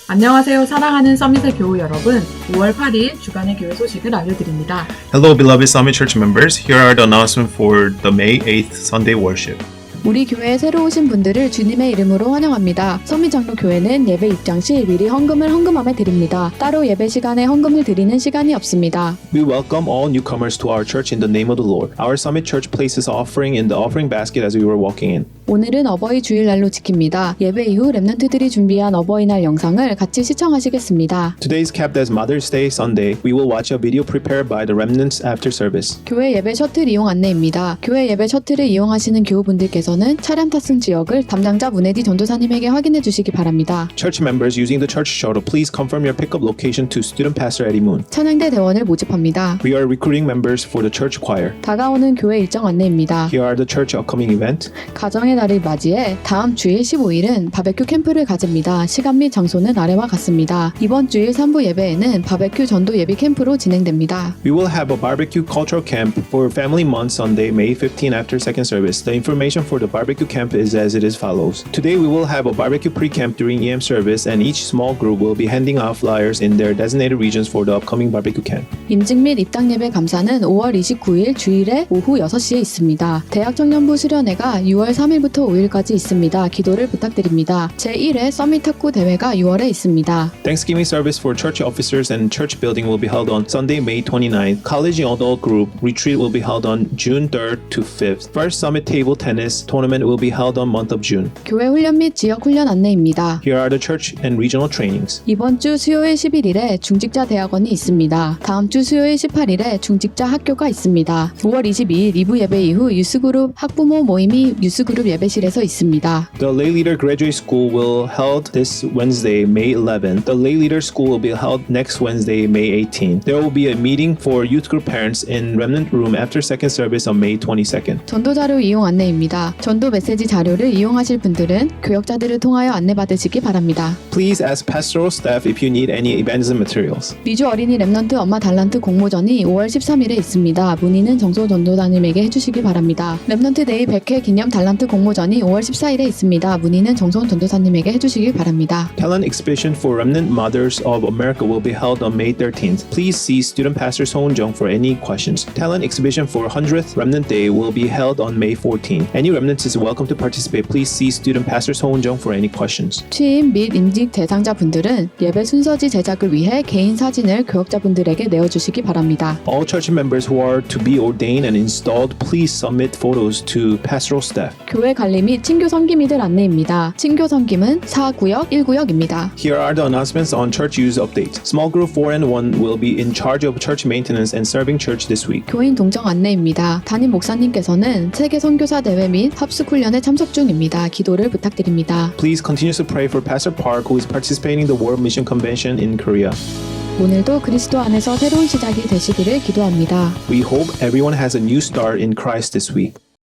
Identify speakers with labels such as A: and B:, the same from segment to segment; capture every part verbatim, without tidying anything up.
A: 안녕하세요. 사랑하는 서밋의 교우 여러분. 오월 팔일 주간의 교회 소식을 알려드립니다.
B: Hello, beloved Summit Church members. Here are the announcements for the May eighth Sunday worship.
C: 우리 교회에 새로 오신 분들을 주님의 이름으로 환영합니다. 서밋장로교회는 예배 입장 시 미리 헌금을 헌금함에 드립니다. 따로 예배 시간에 헌금을 드리는 시간이 없습니다.
D: We welcome all newcomers to our church in the name of the Lord. Our Summit Church places offering in the offering basket as we were walking in.
C: 오늘은 어버이 주일날로 지킵니다. 예배 이후 랩넌트들이 준비한 어버이날 영상을 같이 시청하시겠습니다.
D: Today is kept as Mother's Day Sunday. We will watch a video prepared by the remnants after service.
C: 교회 예배 셔틀 이용 안내입니다. 교회 예배 셔틀을 이용하시는 교우분들께서는 차량 탑승 지역을 담당자 문혜디 전도사님에게 확인해 주시기 바랍니다.
D: Church members using the church shuttle, please confirm your pickup location to Student Pastor Eddie Moon.
C: 찬양대 대원을 모집합니다.
D: We are recruiting members for the church choir.
C: 다가오는 교회 일정 안내입니다.
D: Here are the church upcoming event.
C: 가정의 날을 맞이해 다음 주일 십오일은 바베큐 캠프를 가집니다. 시간 및 장소는 아래와 같습니다. 이번 주일 삼 부 예배에는 바베큐 전도 예비 캠프로 진행됩니다.
D: We will have a barbecue cultural camp for Family Month Sunday, May fifteenth after second service. The information for the barbecue camp is as it is follows. Today we will have a barbecue pre-camp during E M service and each small group will be handing out flyers in their designated regions for the upcoming barbecue camp.
C: 임직 및 입당 예배 감사는 오월 이십구일 주일에 오후 여섯 시에 있습니다. 대학 청년부 수련회가 유월 삼일부터 오일까지 있습니다. 기도를 부탁드립니다. 제일회 서밋 탁구 대회가 유월에 있습니다.
D: Thanksgiving service for church officers and church building will be held on Sunday, May twenty-ninth. College adult group retreat will be held on June third to fifth. First Summit Table Tennis tournament will be held on month of June.
C: 교회 훈련 및 지역 훈련 안내입니다.
D: Here are the church and regional trainings.
C: 이번 주 수요일 십일일에 중직자 대학원이 있습니다. 다음 주 수요일 십팔일에 중직자 학교가 있습니다. 오월 이십이일 이 부 예배 이후 유스그룹 학부모 모임이 유스그룹 예배실에서 있습니다.
D: The Lay Leader Graduate School will held this Wednesday, May eleventh. The Lay Leader School will be held next Wednesday, May eighteenth. There will be a meeting for youth group parents in Remnant Room after second service on May twenty-second.
C: 전도 자료 이용 안내입니다. 전도 메시지 자료를 이용하실 분들은 교역자들을 통하여 안내받으시기 바랍니다.
D: Please ask pastoral staff if you need any evangelism materials.
C: 미주 어린이 랩넌트 엄마 달란트 공모전이 오월 십삼일에 있습니다. 문의는 정소 전도사님에게 해주시기 바랍니다. 랩넌트 데이 백 회 기념 달란트 공모전이 오월 십사일에 있습니다. 문의는 정소 전도사님에게 해주시기 바랍니다.
D: Talent exhibition for Remnant Mothers of America will be held on May thirteenth. Please see Student Pastor Sohn Jung for any questions. Talent exhibition for one hundredth Remnant Day will be held on May fourteenth. Any remnants is welcome to participate. Please see Student Pastor Sohn Jung for any questions.
C: 취임 및 임직 대상자분들은 예배 순서지 제작을 위해 개인 사진을 교역자분들에게 내어주시기 바랍니다.
D: All church members who are to be ordained and installed, please submit photos to pastoral staff.
C: 교회 관리 및 친교 섬김이들 안내입니다. 친교 섬김은 사 구역, 일 구역입니다.
D: Here are the announcements on church use update. Small group four and one will be in charge of church maintenance and serving church this week.
C: 교인 동정 안내입니다. 담임 목사님께서는 세계 선교사 대회 및 합숙 훈련에 참석 중입니다. 기도를 부탁드립니다.
D: Please continue to pray for Pastor Park, who is participating in the World Mission Convention in Korea.
C: 오늘도 그리스도 안에서 새로운 시작이 되시기를 기도합니다.
D: We hope everyone has a new start in Christ this week.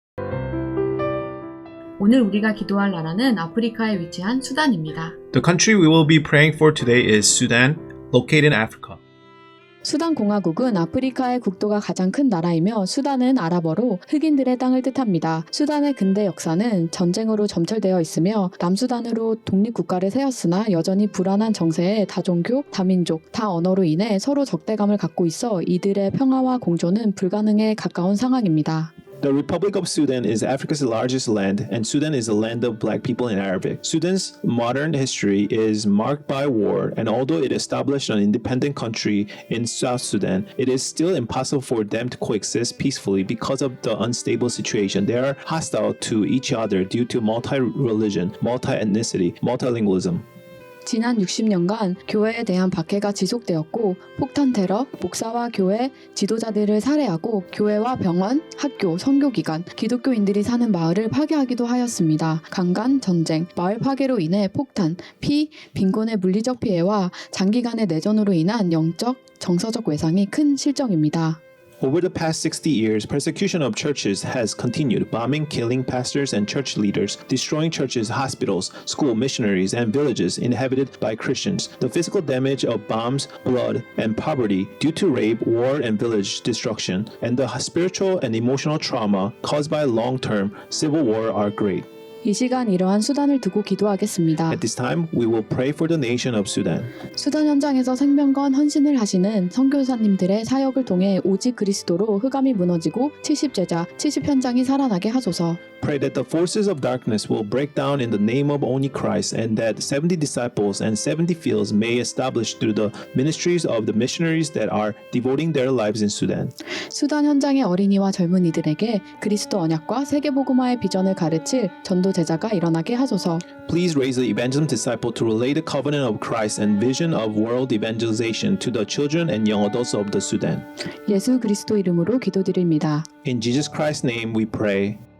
A: 오늘 우리가 기도할 나라는 아프리카에 위치한 수단입니다.
B: The country we will be praying for today is Sudan, located in Africa.
C: 수단 공화국은 아프리카의 국토가 가장 큰 나라이며 수단은 아랍어로 흑인들의 땅을 뜻합니다. 수단의 근대 역사는 전쟁으로 점철되어 있으며 남수단으로 독립국가를 세웠으나 여전히 불안한 정세에 다종교, 다민족, 다언어로 인해 서로 적대감을 갖고 있어 이들의 평화와 공존은 불가능에 가까운 상황입니다.
D: The Republic of Sudan is Africa's largest land, and Sudan is the land of black people in Arabic. Sudan's modern history is marked by war, and although it established an independent country in South Sudan, it is still impossible for them to coexist peacefully because of the unstable situation. They are hostile to each other due to multi-religion, multi-ethnicity, multilingualism.
C: 지난 육십 년간 교회에 대한 박해가 지속되었고 폭탄 테러, 목사와 교회 지도자들을 살해하고 교회와 병원, 학교, 선교기관, 기독교인들이 사는 마을을 파괴하기도 하였습니다. 강간, 전쟁, 마을 파괴로 인해 폭탄, 피, 빈곤의 물리적 피해와 장기간의 내전으로 인한 영적, 정서적 외상이 큰 실정입니다.
D: Over the past sixty years, persecution of churches has continued, bombing, killing pastors and church leaders, destroying churches, hospitals, school, missionaries, and villages inhabited by Christians. The physical damage of bombs, blood, and poverty due to rape, war, and village destruction, and the spiritual and emotional trauma caused by long-term civil war are great.
C: 이 시간 이러한 수단을 두고 기도하겠습니다.
D: At this time, we will pray for the nation of Sudan.
C: 수단 현장에서 생명건 헌신을 하시는 선교사님들의 사역을 통해 오직 그리스도로 흑암이 무너지고 칠십 제자, 칠십 현장이 살아나게 하소서.
D: Pray that the forces of darkness will break down in the name of only Christ, and that seventy disciples and seventy fields may establish through the ministries of the missionaries that are devoting their lives in Sudan.
C: 수단 현장의 어린이와 젊은이들에게 그리스도 언약과 세계복음화의 비전을 가르칠 전도 제자가 일어나게 하소서.
D: Please raise the evangelism disciple to relay the covenant of Christ and vision of world evangelization to the children and young adults of the Sudan.
C: 예수 그리스도 이름으로 기도드립니다.
D: In Jesus Christ's name we pray.